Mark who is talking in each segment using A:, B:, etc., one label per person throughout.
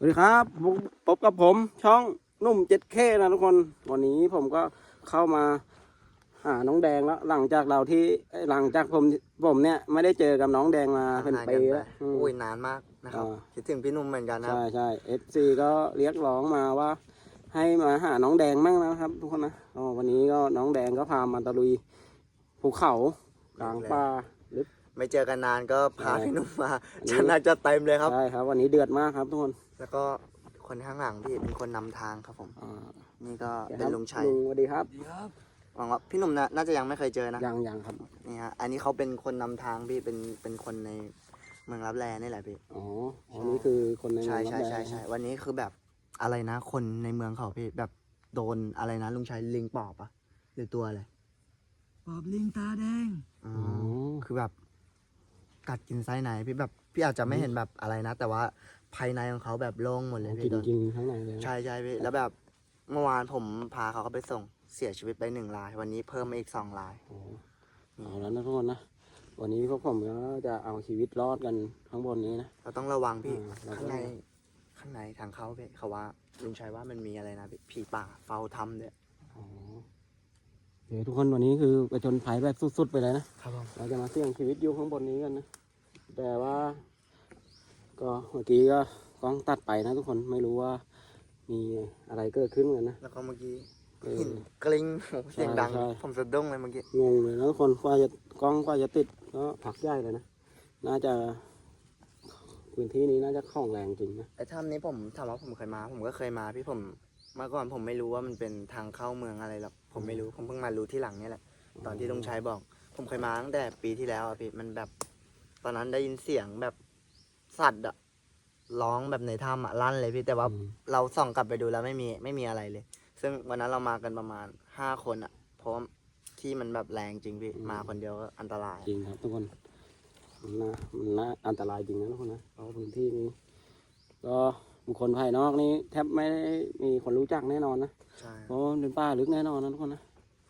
A: วัสดีครับพบกับผมช่องนุ่ม 7K นะทุกคนวันนี้ผมก็เข้ามาหาน้องแดงแล้วหลังจากผมเนี่ยไม่ได้เจอกับน้องแดงมาเป็นปีแล้ว
B: อุ้ยนานมากนะครับคิดถึงพี่นุ่มเหมือนกันนะ
A: ใช่FC ก็เรียกร้องมาว่าให้มาหาน้องแดงมั่งนะครับทุกคนนะวันนี้ก็น้องแดงก็พามาตะลุยภูเขากลางป่าลึก
B: ไม่เจอกันนานก็พาพี่นุ่มมาน่าจะเต็มเลยครับ
A: ใช่ครับวันนี้เดือดมากครับทุกคน
B: แล้วก็คนข้างหลังพี่เป็นคนนำทางครับผมนี่ก็เป็นลุงชัย
A: สวัสดีครับ
B: หวังว่าพี่นุ่มน่าจะยังไม่เคยเจอนะ
A: ยังครับ
B: นี่ฮะอันนี้เขาเป็นคนนำทางพี่เป็นคนในเมืองรับแลนี่แหละพี่
A: อันนี้คือคนในเมืองรับแล
B: ใช่วันนี้คือแบบอะไรนะคนในเมืองเขาพี่แบบโดนอะไรนะลุงชัยลิงปอบอะหรือตัวอะไร
C: ปอบลิงตาแดง
B: คือแบบกัดกินไส้ในพี่แบบพี่อาจจะไม่เห็นแบบอะไรนะแต่ว่าภายในของเขาแบบโล่งหมดเลยพี่
A: กินข้างในเลย
B: ใช่พี่แล้วแบบเมื่อวานผมพาเขาไปส่งเสียชีวิตไป1 รายวันนี้เพิ่มมาอีก2 ราย
A: เอาแล้วนะทุกคนนะวันนี้พวกผมก็จะเอาชีวิตรอดกันข้างบนนี้นะ
B: เราต้องระวังพี่ข้างในทางเข้าพี่เขาว่าลุงชัยว่ามันมีอะไรนะผีป่าเฝ้าถ้ำเนี่ย
A: เดี๋ยวทุกคนวันนี้คือไปจนภัยแบบสุดๆไปเลย
B: นะครับ
A: เราจะมาเสี่ยงชีวิตอยู่ข้างบนนี้กันนะแต่ว่าก็เมื่อกี้ก็กล้องตัดไปนะทุกคนไม่รู้ว่ามีอะไรเกิดขึ้นกันนะ
B: แล้วก็เมื่อกี้หินกลิ้งเสียงดังผมสะดุ้งเลยเมื่อกี้
A: งงเลยนะทุกคนกว่าจะติดก็ผักใหญ่เลยนะน่าจะพื้นที่นี้น่าจะคล่องแรงจริงนะ
B: ไอ้ถ้ำนี้ผมถามว่าผมเคยมาผมก็เคยมาพี่ผมเมื่อก่อนผมไม่รู้ว่ามันเป็นทางเข้าเมืองอะไรหรอกผมไม่รู้ผมเพิ่งมารู้ที่หลังนี่แหละตอนที่ลุงชัยบอกผมเคยมาตั้งแต่ปีที่แล้วอ่ะพี่มันแบบตอนนั้นได้ยินเสียงแบบสัตว์อะร้องแบบในถ้ำอะลั่นเลยพี่แต่ว่าเราส่องกลับไปดูแล้วไม่มีอะไรเลยซึ่งวันนั้นเรามากันประมาณ5 คนอะเพราะที่มันแบบแรงจริงพี่มาคนเดียวก็อันตราย
A: จริงครับทุกคนมันน่าอันตรายจริงนะทุกคนนะเพราะพื้นที่นี้ก็บุคคลภายนอกนี่แทบไม่มีคนรู้จักแน่นอนนะ
B: ใช่
A: เพราะเป็นป่าลึกแน่นอนนะทุกคนนะ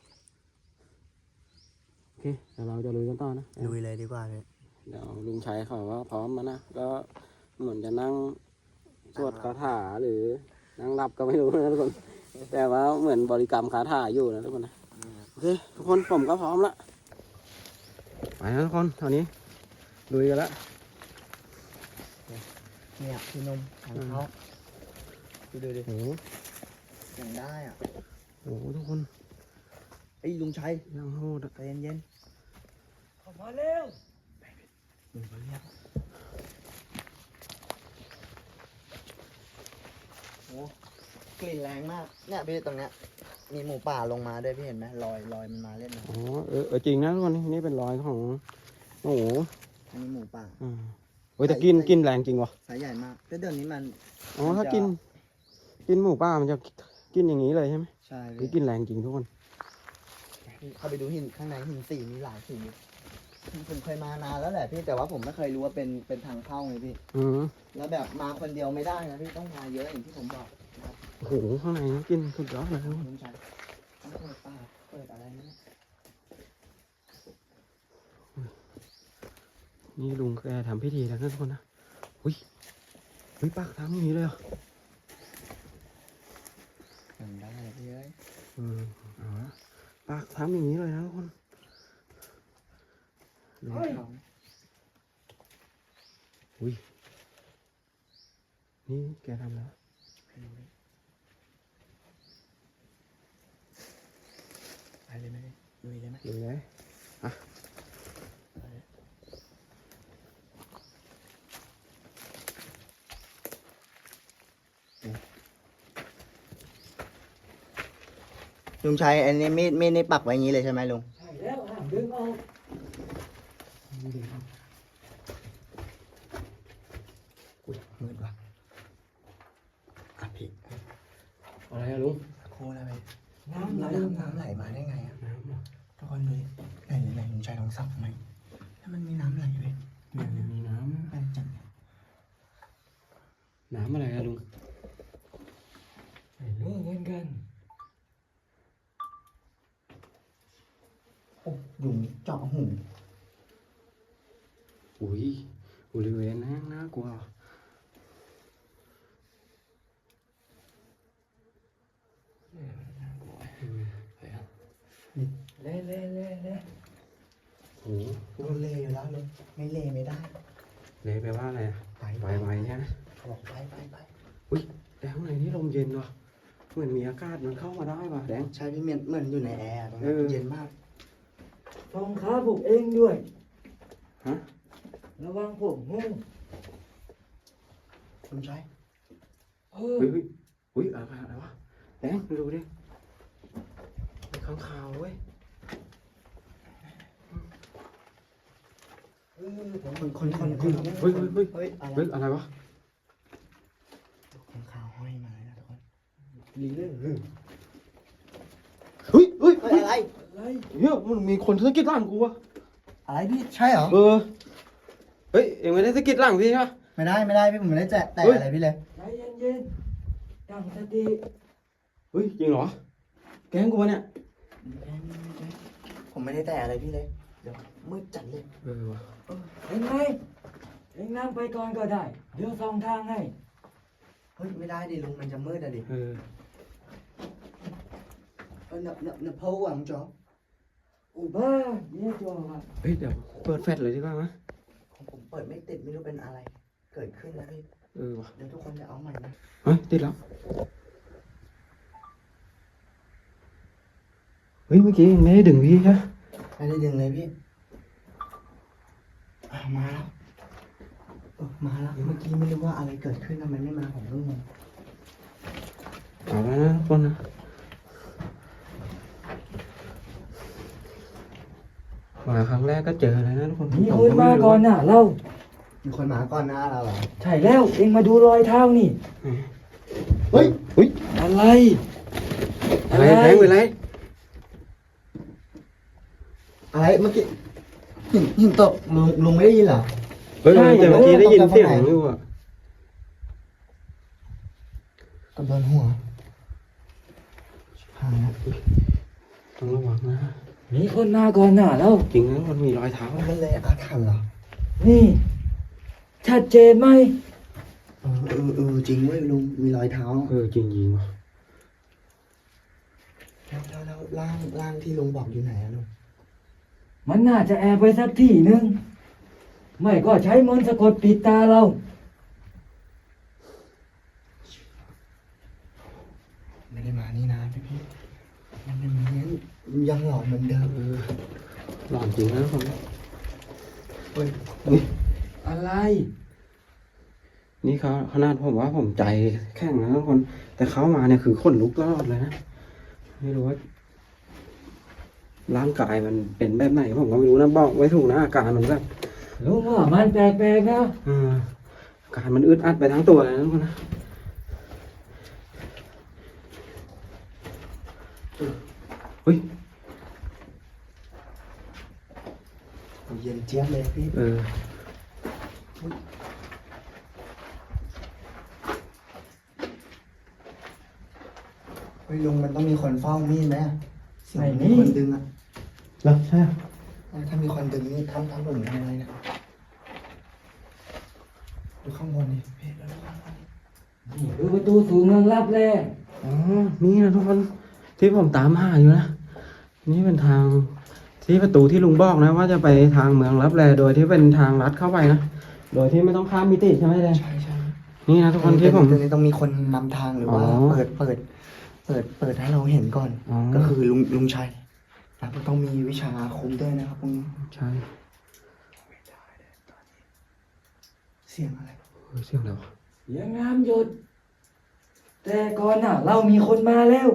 A: โอเคเดี๋ยวเราจะลุยกันต่อนะ
B: ลุยเลยดีกว่าเลย
A: เดี๋ยวลุงชัยเขาว่าพร้อมมานะก็เหมือนจะนั่งสวดคาถาหรือนั่งรับก็ไม่รู้นะทุกคนแต่ว่าเหมือนบริกรรมคาถาอยู่นะทุกคนนะโอเคทุกคนผมก็พร้อมละไปนะทุกคนตอนนี้ลุยกันละ
B: เนี่ยพี่นมของเขาดูดิ
A: โอ้
B: ยังได้อ่ะ
A: โหทุกคน
B: ไอ้ลุงชัย
A: ยังโหด
B: ใจเย็น
C: ขอมาเร็ว
B: ลุงเขาเรียกโอ้กลิ่นแรงมากเนี่ยพี่ตรงเนี้ยมีหมูป่าลงมาด้วยพี่เห็นไหมลอยมันมาเล่นนะ
A: อ๋อจริงนะทุกคนนี่เป็นรอยของโอ้โห
B: อันนี้หมูป่า
A: โอ้ยแต่กินแรงจริงวะ
B: สายใหญ่มากแต่เดี๋ยวนี้มัน
A: ถ้ากินหมูป่ามันจะกินอย่างนี้เลยใช่ไหม
B: ใช่
A: พี่กินแรงจริงทุกคน
B: เข้าไปดูหินข้างในหินสีมีหลายสีผมเคยมานานแล้วแหละพี่แต่ว่าผมไม่เคยรู้ว่าเป็นทางเข้าไงพี่แล้วแบบมาคนเดียวไม่ได้นะพี่ต้องมาเยอะอย่างที่ผมบอกนะครับ
A: โอ้โหข้างในกินสุดยอดเลย
B: ลุงชัยต้องเปิดป่าเปิดอะไรนะ
A: นี่ลุงแกทำพิธีแล้วนะทุกคนนะอุ้ยปากทำอย่างนี้เลยเหรอ
B: ยังได้พี่เอ้ย
A: เอาละปากทำอย่างนี้เลยนะทุกคนอุ้ยนี่แกทำแล้ว
B: ไปเลยไหมลุยเลยไหม
A: ลุยเลยอ่ะ
B: ลุงชัยอันนี้มีดนี่ปักไว้อย่างนี้เลยใช่ไหมลุง
C: ใช่แล้วดึงออก
B: อุ้ยมืดว่ะพี่
A: อะไรอะลุง
B: โคอะไรไปน้ำไหลมาได้ไงอ่ะทุกคนดูไหนลุงชัยลองสับไหมถ้ามันมีน้ำไหลไป
A: มีน้ำ
B: ไปจัง
A: น้ำอะไรอะลุง
C: ไม่รู้เหมือนกัน
B: โอ้ยุงเจาะหู
A: บริเวณนั้นน่ากลัว
C: เล่เล่เล่เล่
A: โอ้โห
B: เราเล่อยู่แล้วเลยไม่เล่ไม่ได้
A: เลยแปลว่าอะไรอะ
B: ไป
A: ไวๆใช่ไหม
B: เขาบอกไป
A: อุ้ยแต่ข้างในนี่ลมเย็นว่ะเหมือนมีอากาศมันเข้ามาได้ว่ะแดง
B: ใช่พี่เหมือนอยู่ในแอร์ตรง
A: เอ
B: นั้น
A: อ
B: เย็นมาก
C: ฟองขาผมเองด้วย
A: ฮะ
C: ระวังผมงู
B: คุณชาย
C: เออ
A: เฮ้ยเฮ้ยอะไรวะแดงดูดิมีข้างคาวเว้ย
B: คน
A: เฮ้ยเฮ้ยเฮ้ย
B: เฮ้ยอะไร
A: เฮ้ยอะไรวะ
B: คนข่าวห้อยมาแล้วทุกคน
C: ลีเล่
A: เฮ้ยเฮ้ย
B: เฮ้ยอะไร
C: อะไร
A: เฮ้ยมันมีคนสะกิดหลังกูวะ
B: อะไรพี่ใช่เหรอ
A: เออเฮ้ยเอ็งไม่ได้สะกิดหลังพี่ใช่ปะ
B: ไม่ได้พี่ผมไม่ได้แตะ
A: เฮ้ย
B: อะไรพี่เลย
C: ใจเย็นๆตั้งสติ
A: เฮ้ยจริงเหรอแกล้งกูวะเนี่ย
B: ผมไม่ได้แตะอะไรพี่เลยเดี๋ยวมืดจัดเลย
A: เออวะ
C: เห็นไหมเอ็งนั่งไปก่อนก็ได้ เดี๋ยวส่องทางให้
B: เฮ้ยไม่ได้ดิลุงมันจะมืดอะดิ
A: เออ
B: เนอะเพราะหวังจ๊อ
C: อุบ้าเนี่ยจัวครับ
A: เฮ้ยเดี๋ยวเปิดแฟลชเลยดีกว่ามั้ย
B: ของผมเปิดไม่ติดไม่รู้เป็นอะไร เกิดขึ้นนะพี่
A: เออวะ
B: เดี๋ยวทุกคนจะเอาใหม่นะ
A: เฮ้ยติดแล้วเฮ้ยเมื่อกี้ยังไม่ได้ดึงพี่ใช่
B: ไม่ได้ดึงเลยพี่มาแล้วมาแล้วเมื่อกี้ไม่รู้ว่าอะไรเกิดขึ้นทำไมไม่มาผมก็งง
A: เอาแล้วนะทุกคนนะมาครั้งแรกก็เจอเลยนะทุกคน
C: มีคนมาก่อนน่ะเรา
B: มีคนมาก่อนหน้าเราเหรอ
C: ใช่แล้วเอ็งมาดูรอยเท้านี่
B: เฮ้ย
A: เฮ้ย
C: อะไร
A: อะไรแบงค์เป็นไร
B: อะไรเมื่อกี้หินตกลุงไม่ได้ยินเหรอ
A: เฮ้ยแต่เมื่อกี้ได้ยินเสียงอยู่อ่ะ
B: กับโดนหัวหายแล้ว
A: ต้องระวังนะ
C: มีคนมาก่อนน่ะเรา
A: จริงนะมันมีรอยเท้า
B: มันเลยอาถรรพ์เหรอ
C: นี่ ชัดเจนไหม
B: จริงเว้ยลุงมีรอยเท้า
A: เออจริงจริงว่ะ
B: แล้วร่างที่ลุงบอกอยู่ไหนอะลุง
C: มันน่าจะแอบไปสักที่หนึ่งไม่ก็ใช้มนต์สะกดปิดตาเรา
B: ไม่ได้มานี่นานพี่ยังเป็นเหมือนยังหลอนเหมือนเดิม
A: เออหลอนจริงนะทุกคน
B: เฮ้ย
A: นี่
C: อะไร
A: นี่เขาขนาดผมว่าผมใจแข็งนะทุกคน แต่เขามาเนี่ยคือขนลุกตลอดเลยนะไม่รู้ว่าร่างกายมันเป็นแบบไหนผมก็ไม่รู้นะบอกไว้ถูกนะอาการมันแบบ
C: ลุงว่ามันแปลกๆนะ
A: อาการมันอึดอัดไปทั้งตัวเลยนะทุกคนนะเฮ้ย
B: เย็นเจี๊ยบเลยพี่
A: เออ
B: เฮ้ยลุงมันต้องมีคนเฝ้ามีดไหมอะเสียงมีคนดึงอะ
A: แล้วใช่
B: ถ้ามีคนดึงนี่ทำผมทำอะไรนะดูข้างบนดิพี่ดูข้างบนดิ
C: นี่คือประตูสู่เมืองลับแล
A: อ๋อนี่นะทุกคนที่ผมตามหาอยู่นะนี่เป็นทางที่ประตูที่ลุงบอกนะว่าจะไปทางเมืองลับแลโดยที่เป็นทางลัดเข้าไปนะโดยที่ไม่ต้องข้ามมิติใช่ไหมเลย
B: ใช่
A: นี่นะทุกคนที่ผม
B: ตรงนี้ต้องมีคนนำทางหรือว่า
A: อ๋อ
B: เปิดให้เราเห็นก่อน
A: อ๋อ
B: ก็คือลุงชัยแล้วก็ต้องมีวิชาอาคมด้วยนะครับพวกนี้
A: ใช่
B: เสียงอะไร
A: เสียงอะไรวะ
C: เสียงน้ำหยด แต่ก่อนน่ะ เรามีคนมาแล้ว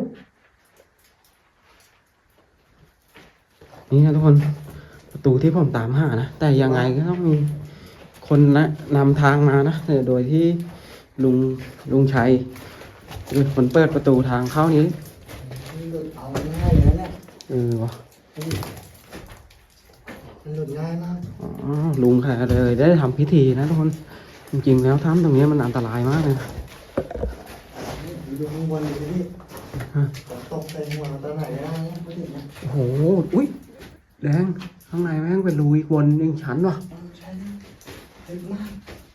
A: นี่นะทุกคนประตูที่ผมตามหานะแต่ยังไงก็ต้องมีคนนะนำทางมานะโดยที่ลุงชัยเป็นคนเปิดประตูทางเข้านี้
B: มันหลุดเอาง่ายเลยนะเนี่ย
A: เออวะ
B: มันหลุดง่ายมาก
A: อ๋อลุงค่ะเลยได้ทำพิธีนะทุกคนจริงๆแล้วถ้ำตรงนี้มันอันตรายมากเลยนะ
B: ดูข้างบนดิพี่ตกใส่หัวตอนไหนได้เนี่ยไม่ถึงนะ
A: โอ้โหอุ้ยแดงข้างในแม่งเป็นรูอีกวนหนึ่งชั้นวะ
B: ใช่เล็กมาก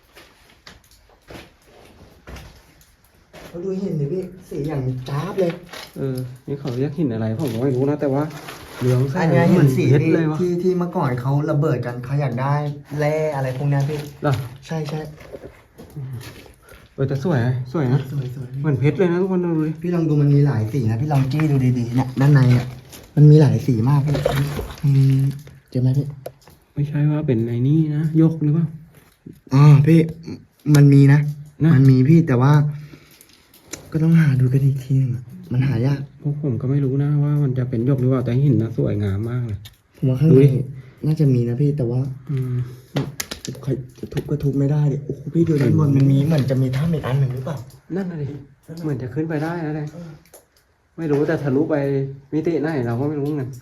B: เราดูหินดิพี่สีอย่างจ้าบเลย
A: เออนี่เขาเรียกหินอะไรผมก็ไม่รู้นะแต่ว่าเหลืองแส
B: อัน
A: ง
B: เนี้ย
A: เห
B: เห็
A: มือน น
B: สี
A: เพชร
B: ที่
A: เลยวะ
B: ที่เมื่อก่อนเขาระเบิดกันเขาอยากได้แร่อะไรพวกเนี้ยพี่
A: เหรอ
B: ใช่ใช่
A: แต่สวยนะสวยนะ
B: สวยสวย
A: เหมือนเพชรเลยนะทุกคนดูดิ
B: พี่ลองดูมันมีหลายสีนะพี่ลองจี้ดูดีๆเนี่ยด้านในอ่ะมันมีหลายสีมากพี่เจอไหมพี่
A: ไม่ใช่ว่าเป็นไอ้นี่นะยกหรือเปล่า
B: อ๋อพี่มันมีนะ
A: นะ
B: มันมีพี่แต่ว่า ก็ต้องหาดูกันอีกทีหนึงอะมันหายาก
A: พวกผมก็ไม่รู้นะว่ามันจะเป็นยกหรือเปล่าแต่หินนะสวยงามมากเลย
B: ผมว่าข้าง
A: ดู
B: ใน
A: ดิ
B: น่าจะมีนะพี่แต่ว่า
A: อืม
B: ใครจะทุบก็ทุบไม่ได้ดิโอ้โหพี่ดูด้านบนมันมีเหมือนจะมีถ้ำอีกอันหนึ่งหรือเปล่า
A: นั่นน่ะดิเหมือนจะขึ้นไปได้นะเลยไม่รู้แต่ทะลุไปมิติไหนเราก็ไม่รู้เหมือนกัน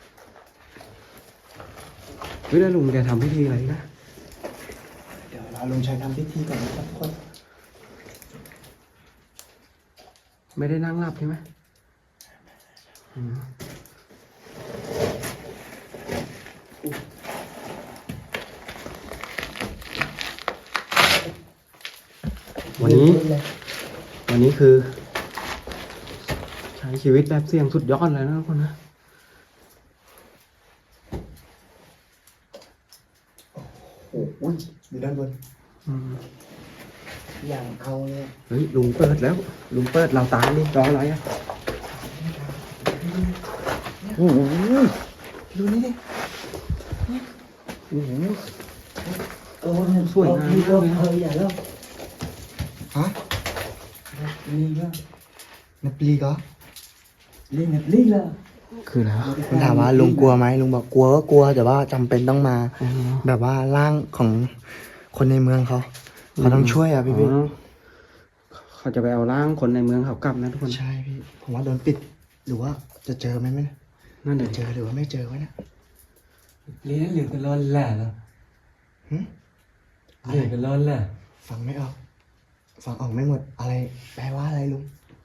A: เฮ้ยแล้วลุงแกทำพิธีอะไรนะ
B: เดี๋ยวเราลงชัยทำพิธีก่อนนะครับทุกคน
A: ไม่ได้นั่งหลับใช่ไหมอืมวันนี้คือ ใช้ชีวิตแบบเสี่ยงสุดยอดเลยนะทุกคนนะ
B: โอ้โหดูด้านบน
A: อืม
B: อย่างเอาเนี่ย
A: เฮ้ยลุงเปิดแล้วลุงเปิดเราตามดิรออะไรอ่ะโอ้โห
B: ดูนี่ดิ
A: โอ้โห
C: โอ้
A: สวยงามมากเลยนะ
C: อย่าเล่า
B: ฮะ
C: นี่ก็
B: นับปลีก็
C: เล่นกับลี่ละ
A: คือแล้ว
B: ผมถามว่าลุงกลัวไหมลุงบอกกลัวก็กลัวแต่ว่าจำเป็นต้องมา
A: อ๋อ
B: แบบว่าร่างของคนในเมืองเขาต้องช่วยอ่ะพี่
A: อ๋อเขาจะไปเอาร่างคนในเมืองเขากลับนะทุกคน
B: ใช่พี่ผมว่าโดนปิดหรือว่าจะเจอไหมเนี่ย
A: นั่นเดี๋ยว
B: เจอหรือว่าไม่เจอวะเนี่ย
C: เล่นเหลือกันร้อนแหละเนาะ
B: หึ
C: เหลือกันร้อนแหละ
B: ฟังไม่ออกฟังออกไม่หมดอะไรแปลว่าอะไรลุง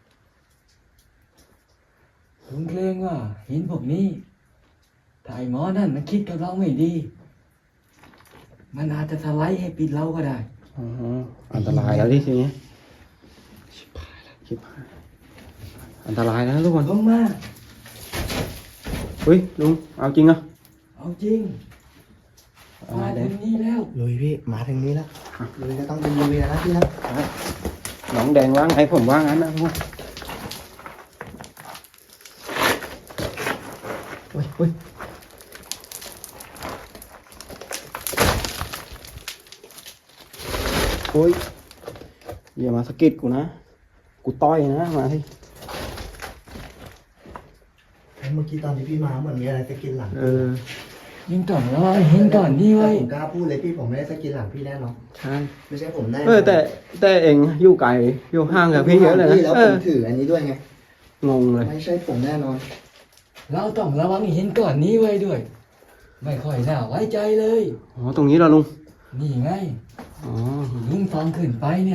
C: ลุงเกรงว่าหินพวกนี้ถ้าไอ้หมอนั่นมันคิดกับเราไม่ดี มันอาจจะสไลด์ให้ปิดเราก็ได้
A: อ๋ออันตรายแล้วดิทีนี้ชิบหายอันตรายแล้วนะทุกคน
C: ลงมา
A: เฮ้ยลุงเอาจริงอ่ะ
C: เอาจริง
A: เอา
C: มา
A: เล
C: ถึ
A: ย
C: งนี้แล้ว
B: ลุยพี่มาถึงนี้แล้วลุยก็ต้องเป็นลุยแล้วนะพี่นะ
A: น้องแดงว่างไงผมว่างงั้นนะทุกคนเฮ้ยเฮ้ยโอ้ยอย่ามาสะกิดกูนะกูต้อยนะมาที่
B: เมื่อกี้ตอนที่พี่มาเหมือนมีอะไรสะกินหลัง
C: ยิงก่อนแล้วเห็นก่อนนี่ไว้
B: ผมกล้าพูดเลยพี่ผมไม่ได้สะกินหลังพี่แน่นอน
A: ใช่
B: ไม่ใช่ผมแน่
A: แต่เองอยู่ไกลอยู่ห่างกับพี่เยอะเลยนะ
B: แล้วผมถืออันนี้ด้วยไง
A: งงเลย
B: ไม่ใช่ผมแน่นอน
C: เราต้องระวังเห็นก่อนนี้ไว้ด้วย ไม่ค่อยน่าไว้ใจเลย
A: อ๋อตรงนี้เหราลุง
C: นี่ไง
A: อ๋อ
C: ลุงฟังขึ้นไปเนี่ย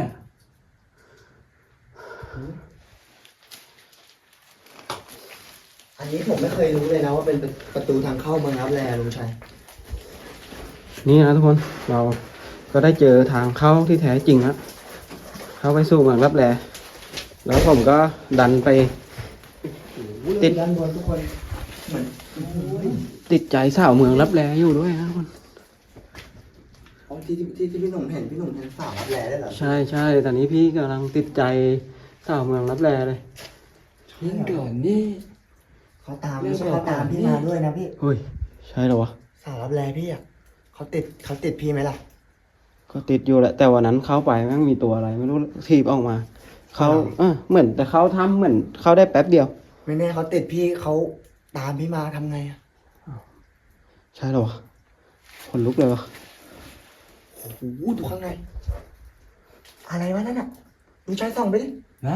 B: อันนี้ผมไม่เคยรู้เลยนะว่าเป็นประตูทางเข้าเมืองรับแลลุงชัย
A: นี่นะทุกคนเราก็ได้เจอทางเข้าที่แท้จริงแล้วเข้าไปสู่เมืองรับแลแล้วผมก็ดันไป ติด
B: ด้านบนทุกคนเหมือน
A: ติดใจสาวเมืองรับแลอยู่ด้วยนะทุกคน
B: อ๋อที่พี่หนุ่มเห็นพี่หนุ่มเห็นสาวรับแลได้เหรอ
A: ใช่ใช่ตอนนี้พี่กำลังติดใจสาวเมืองรับแลเลย
C: เห็นก่อนนี่
B: เขาตามไม่ใช่เขาตามพี่มาด้วยนะพี่
A: เฮ้ยใช่เหรอวะ
B: สาวรับแลพี่อ่ะเขาติดพี่ไหมล่ะ
A: ก็ติดอยู่แหละแต่วันนั้นเข้าไปแม่งมีตัวอะไรไม่รู้ทีบออกมาเขาเหมือนแต่เขาทำเหมือนเขาได้แป๊บเดียว
B: ไม่แน่เขาติดพี่เขาตามพี่มาทำไงอ่ะ
A: ใช่เหรอวะคนลุกเลยวะ
B: โอ้โหดูข้างในอะไรวะนั่นอ่ะลุงชัยส่องไปดิ
C: ไหน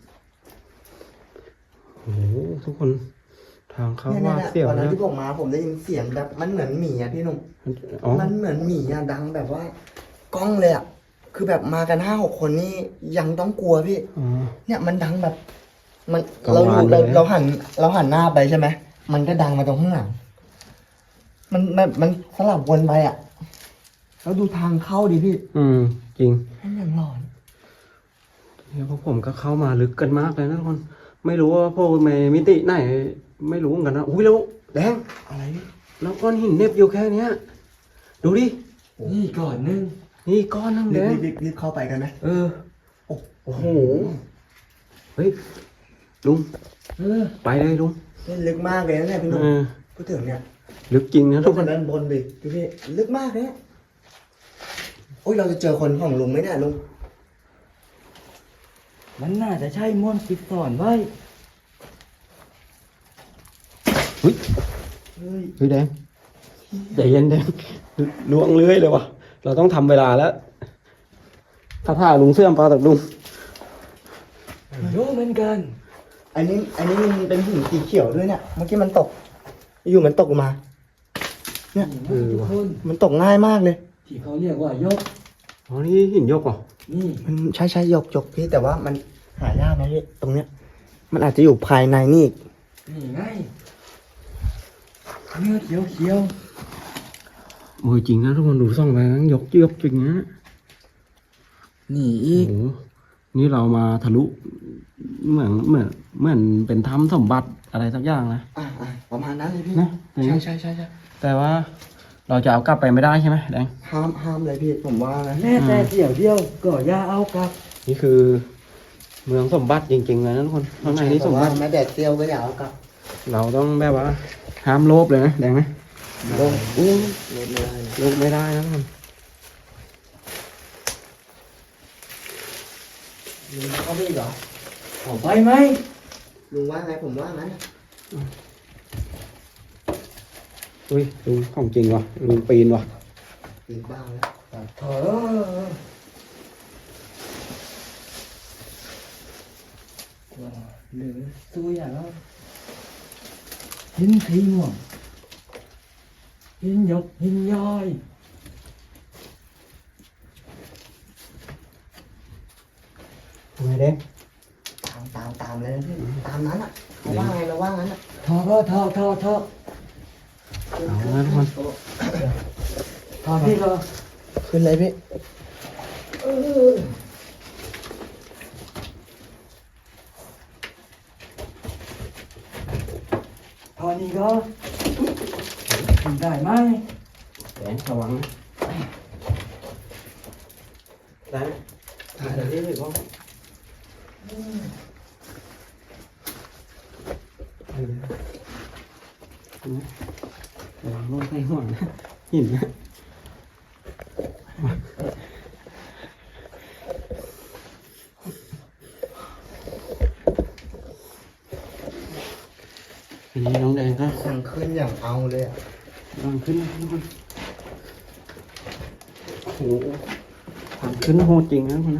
A: โอ้โหทุกคนทางเข้า
B: เนี่ย
A: ว่าเสียว
B: วันนั้น
A: นะ
B: ที่ผมมาผมได้ยินเสียงแบบมันเหมือนหมีอ่ะพี่หนุ่ม
A: อ๋อ
B: มันเหมือนหมีอ่ะดังแบบว่ากล้องเลยอ่ะคือแบบมากัน5-6 คนนี่ยังต้องกลัวพี่
A: อ๋อ
B: เนี่ยมันดังแบบ มัน
A: กัง
B: เรา
A: วาน
B: อยู่
A: เลย
B: เราหันหน้าไปใช่ไหมมันก็ดังมาตรงข้างหลังมันสลับวนไปอ่ะแล้วดูทางเข้าดิพี่
A: จริง
B: ให้อย่างหลอน
A: เนี่ยพวกผมก็เข้ามาลึกกันมากเลยนะทุกคน ไม่รู้ว่าพวกในมิติไหน ไม่รู้เหมือนกันนะอุ้ยแล้วแดง
B: อะไรพี่
A: แล้วก้อนหินเหน็บอยู่แค่เนี้ยดูดิ
C: นี่ก่อนนึง
A: นี่ก้อนนึงแดง
B: รีบเข้าไปกันไหม
A: เออโอ้โหเฮ้ยลุง
C: เออ
A: ไปเลยลุง
B: นี่ลึกมากเลยนะเนี่ยพี่หนุ่ม
A: เออ
B: พูดถึงเนี่ย
A: ลึกจริงนะทุ
B: ทุ
A: ก
B: ก
A: ค
B: คน นด้านบนดิพี่ลึกมากเนี่ยโอ้ยเราจะเจอคนของลุงไหมเนี่ยลุง
C: มันน่าจะใช่ม่วนปิดสอนไว้
A: เฮ้ย
B: เฮ้ย
A: เฮ้ยแดงใจเย็นแดงล่วงเลื้อยเลยวะเราต้องทำเวลาแล้วถ้าท่าลุงเสื่อมปลาตักลุง
C: ไม่รู้เหมือนกัน
B: อันนี้มันเป็นหินสีเขียวด้วยเนี่ยเมื่อกี้มันตก อยู่มันตกลงมา เนี่ย
A: เออ
C: ทุก
A: ว่ะ
C: คน
B: มันตกง่ายมากเลย
C: ที่เขาเรียกว่ายก
A: อ๋อนี่หินยกเหรอ
C: นี่
B: มันใช่ยกพี่แต่ว่ามันหายากนะพี่ตรงเนี้ย มันอาจจะอยู่ภายในนี่อีก
C: นี่ไงเนื้อเขียวเขียว
A: โอ้ยจริงนะทุกคนดูส่องไปนะยกจริงนะ
C: ๆนี่อี
A: โอ้
C: ก
A: โหนี่เรามาทะลุเหมือนเป็นถ้ำสมบัติอะไรสักอย่างนะ
B: ประมาณนั้นเลยพี่
A: นะ
B: ใช่
A: แต่ว่าเราจะเอากลับไปไม่ได้ใช่ไหมแดง
B: ห้ามเลยพี่ผมว่านะ
C: แม่แต่เดี่ยวเดียวก็อย่าเอากลับ
A: นี่คือเมืองสมบัติจริงๆเลยนะทุกคนข้างในนี้สมบัติ
B: แม่แดดเตียวก็อย่าเอากลับ
A: เราต้องแบบว่าห้ามโลภเลยนะแดงไหมโลภอู้
B: ลดไม่ได้เลย
A: โลภไม่ได้นะทุกคน
C: ลุงเอาไปอีกเหรอเอาไปไหม
B: ลุงว่าไงผมว่างั้น
A: อุ้ยลุงของจริงว่ะลุงปีนว่ะ
B: ปีนบ้าแล้ว
C: เถอะหรือตัวอย่างแล้วหินสีม่วงหินหยกหินย้อย
A: ทำไมแดง
B: ตามเลยนะพี่ตามนั้นอ่ะเราว่าไงเราว่างั้นอ่ะ
C: ทอทอ
A: เอาละทุกคน
C: ทอพี่ก็
B: ขึ้นเลยพี่
C: ทอนี้ก็ขึ้นได้ไหม
A: แดงระวังนะได้ไหมถ่ายได้เลยพ่อระวังโน่นใส่ห่วงนะหินนะทีนี้น้องแดงก็
B: สั่งขึ้นอย่างเอาเลยอ่ะ
A: กำลังขึ้นนะทุกคนโอ้โหทางขึ้นโหดจริงนะทุกคนนะ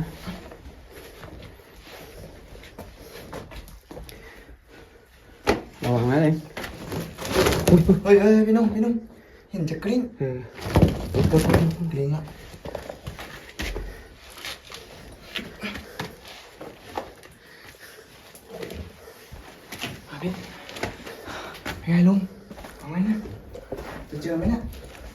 A: ระวังนะเอง
B: เฮ้ยพี่นุ่มเห็นจะกลิ้ง
A: เออก
B: ลิ้งอ่ะพี่เป็นไงลุงเอาไงนะจะเจอไหมเนี่ย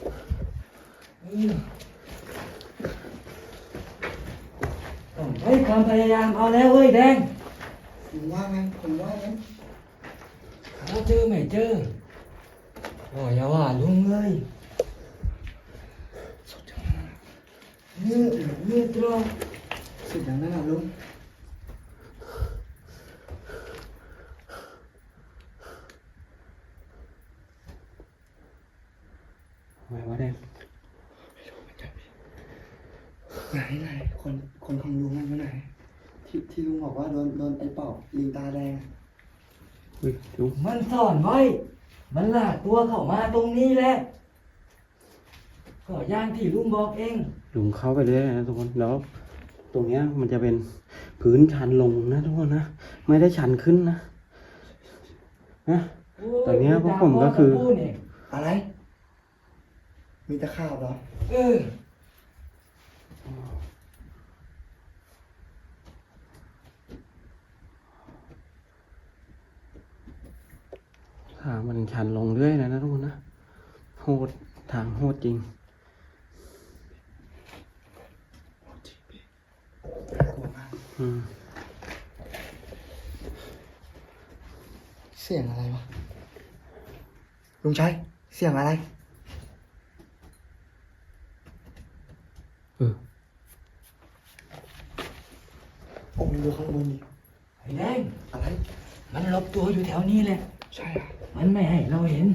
C: ต้องใช้ความพยายามเอาแล้วเว้ยแดง
B: ผมว่าไงผมว่างั้น
C: เขาเจอไม่เจอก็อย่าว่าลุงเลยเนื้อตรอ
B: สุดอย่างนั้นอ่ะลุง
A: ทำไมวะแดง
B: ไหนคนของลุงนั่นอยู่ไหนที่ลุงบอกว่าโดนไอ้ปอบลิงตาแดง
A: อุ้ยลุง
C: มันซ่อนไว้ มันลากตัวเข้ามาตรงนี้แหละ ก็อย่างที่ลุงบอกเอง
A: ลุงเข้าไปเรื่อยนะทุกคนแล้วตรงเนี้ยมันจะเป็นพื้นชันลงนะทุกคนนะไม่ได้ชันขึ้นนะนะ ตอนเนี้ยพวกผมก็คือ
B: อะไร มีตะขาบเหรอ
C: เออ
A: ทางมันชันลงเรื่อยนะทุกคนนะโหดทางโหดจริง
B: น่ากลัวมาก
A: อืม
B: เสียงอะไรวะลุงชัยเสียงอะไร โอ้ยดูข้างบนดิ
C: ไอ้แดง
B: อะไร
C: มันหลบตัวอยู่แถวนี้แหละ
B: ใช่อ่ะ
C: มันไม่ให้เราเห็น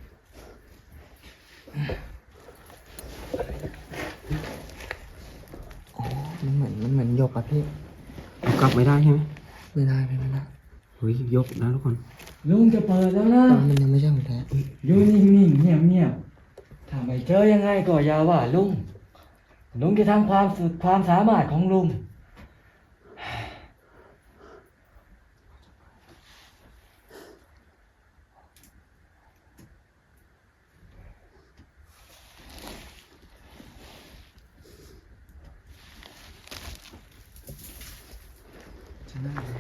B: อ๋อมันเหมือนหยกอะพี่
A: กลับไม่ได้ใช่ไหม
B: ไม่ได้ไม่ได้
A: เฮ้ยยกนะทุกคน
C: ลุงจะเปิดแล้วนะ
B: มันยังไม่ใช่ของแท้
C: อยู่นิ่งๆเงียบๆถ้าไม่เจอยังไงก็อย่าว่าลุง ลุงจะทำความสุดความสามารถของลุง
B: จะน่าเลย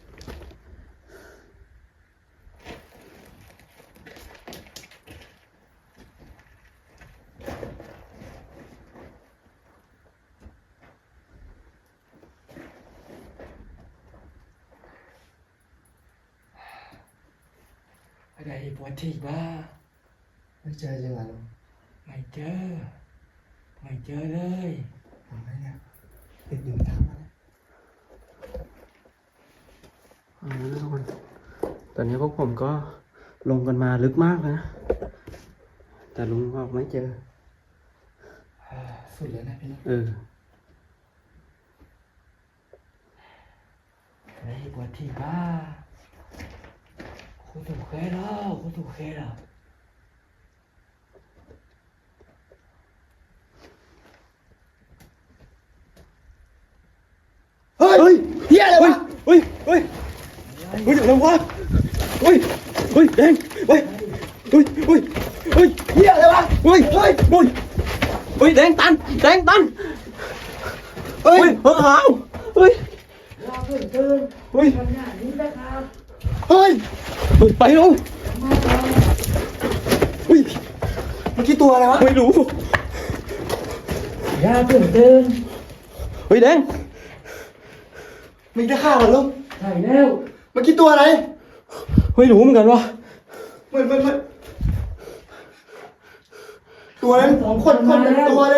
C: อะไรปวดที่บ้า
B: ไม่เจอจริงเหรอลุง
C: ไม่เจอ ไม่เจอเลย
B: ทำไมเนี่ยติดอยู่ทางนั้น
A: ทุกคนตอนนี้พวกผมก็ลงกันมาลึกมากเลยนะ แต่ลุงก็ไม่เจอ
B: สุดแล้วนะพี่ลุง
C: อะไรปวดที่บ้าคุณถูกเคยแล้วคุณถูกเคยแล้ว
B: เฮ้ยเฮียอะไรวะ
A: เฮ้ยเฮ้ยเฮ้ยเดี๋ยววะเฮ้ยเฮ้ยแดงเฮ้ยเฮ้ยเฮ้ยเฮ้ย
B: เฮียอะไรวะ
A: เฮ้ยเฮ้ยเฮ้ยเฮ้ยแดงตันเฮ้ยเฮ้ยขาวเฮ้ย
C: เราเพิ่งตื่น
A: เฮ้ย
C: ทำงานนี้นะครับ
B: เฮ้ย
A: เฮ้ยไปแล้ว
C: มาแล้ว
A: เฮ้ย
B: เมื่อกี้ตัวอะไรวะ
A: ไม่รู้
C: อย่าเพิ่งตื่น
A: เฮ้ยแดง
B: มีตะขาบเหรอลุง
C: ใช่แล้ว
B: เมื่อกี้ตัวอะไร
A: ไม่รู้เหมือนกันวะ
B: เหมือนตัวอะไรคนเป็นตัวเลย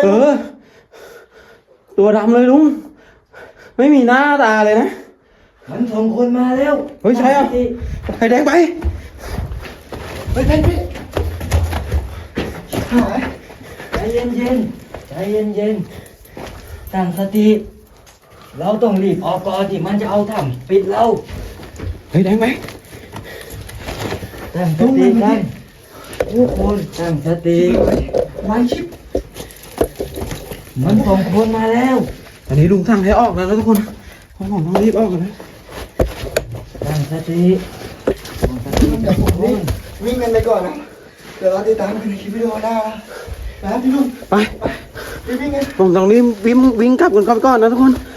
A: ตัวดำเลยลุงไม่มีหน้าตาเลยนะ
C: มันส่งคนมาแล้ว
A: เฮ้ยใช่อ่ะไอ้แดงไป
B: เฮ้ยพี่หาย
C: ใจเย็นๆใจเย็นๆตั้งสติ เราต้องรีบออกก่อนที่มันจะเอาถ้ำปิดเรา
A: เฮ้ยแดงไป
C: ตั้งสติกันทุกคนตั้งสติ
B: ไว้ชิป
C: มันส่งคนมาแล้ว
A: อันนี้ลุงสั่งให้ออกแล้วนะทุกคนเพราะผมต้องรีบออกกันนะ
C: ตั้งสติตั้งสติ
B: เดี๋ยวผม
C: ทุกค
B: วิ่
C: น
B: งกันไปก่อนนะ เดี๋ยวเราติดตามกันในคลิปวิดีโอหน้านะพี่ลุง
A: ไป
B: ไปวิ่งกัน
A: ผมต้องรีบวิ่งกลับกันก่อนนะทุกคน